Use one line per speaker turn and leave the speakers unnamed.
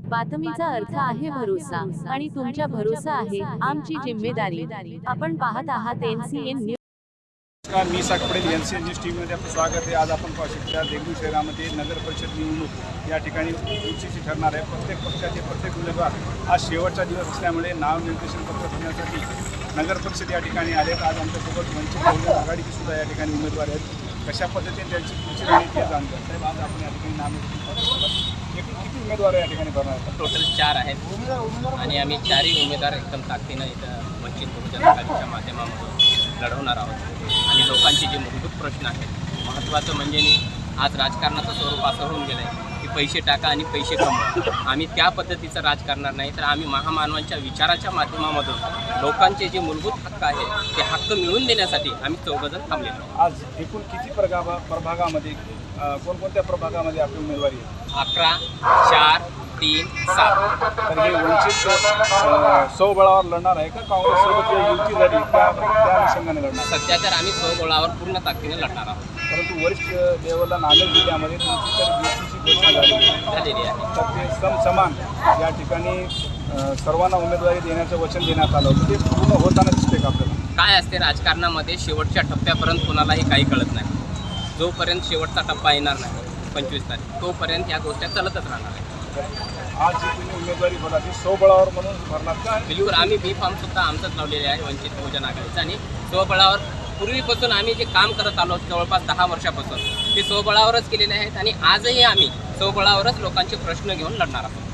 बातमीचा अर्थ आहे भरोसा आणि तुमच्या भरोसा आहे आमची जिम्मेदारी। आपण पाहत आहात NCN न्यूज।
नमस्कार, मी साकपडे NCN न्यूज टीव्हीमध्ये आपलं स्वागत आहे। आज आपण पाहू शकता देगलूर शहरामध्ये नगर परिषद निवडणूक या ठिकाणी उचित ठरणार आहे। प्रत्येक पक्षाचे प्रत्येक उमेदवार आज शेवटचा दिवस असल्यामुळे नामनिर्देशन पत्र भरण्यासाठी नगर परिषद या ठिकाणी आलेत। आज आमच्यासोबत वंचित बहुजन आघाडीचे सुद्धा या ठिकाणी उमेदवार आहेत। कशा पद्धतीने त्यांची पुढची रणनीती आहे जाणून साहेब, आज आपण या ठिकाणी नामनिर्देशन एकूण किती उमेदवार या ठिकाणी भरणार आहेत?
टोटल 4 आहेत आणि आम्ही 4ही उमेदवार एकदम ताकदीनं इथं वंचित बहुजन आघाडीच्या माध्यमातून लढवणार आहोत। आणि लोकांचे जे मूलभूत प्रश्न आहेत, महत्त्वाचं म्हणजे आज राजकारणाचं स्वरूप असं होऊन गेलं आहे की पैसे टाका आणि पैसे कमवा। आम्ही त्या पद्धतीचं राज करणार नाही, तर आम्ही महामानवांच्या विचाराच्या माध्यमामधून लोकांचे जे मूलभूत हक्क आहेत ते हक्क मिळवून देण्यासाठी आम्ही चौघजण थांबलेलो आहोत।
आज एकूण किती प्रभागामध्ये कोणकोणत्या प्रभागामध्ये आपली उमेदवारी आहे?
11, 4, 3, 7।
तर हे वंचित स्वबळावर लढणार आहे का काँग्रेससोबत जे युती झाली त्या अनुषंगाने लढणार?
सध्या तर आम्ही स्वबळावर पूर्ण ताकदीने लढणार आहोत।
परंतु वरिष्ठ लेवलला नांदेड जिल्ह्यामध्ये तुमची तर युतीची घोषणा झालेली आहे, तर ते समान या ठिकाणी सर्वांना उमेदवारी देण्याचं वचन देण्यात आलं होतं, ते पूर्ण होताना दिसते का आपल्याला?
काय असते राजकारणामध्ये शेवटच्या टप्प्यापर्यंत कोणालाही काही कळत नाही। जोपर्यंत शेवटचा टप्पा येणार नाही 25 तारीख तोपर्यंत या गोष्टी चालतच राहणार आहे।
आज जी तुम्ही उमेदवारी भरला ती स्वबळावर म्हणून भरणार का?
बिलकुल, आम्ही बी फॉर्म सुद्धा आमचंच लावलेले आहे वंचित बहुजन आघाडीचं। आणि स्वबळावर पूर्वीपासून आम्ही जे काम करत आलो जवळपास 10 वर्षापासून ते स्वबळावरच केलेले आहेत आणि आजही आम्ही स्वबळावरच लोकांचे प्रश्न घेऊन लढणार आहोत।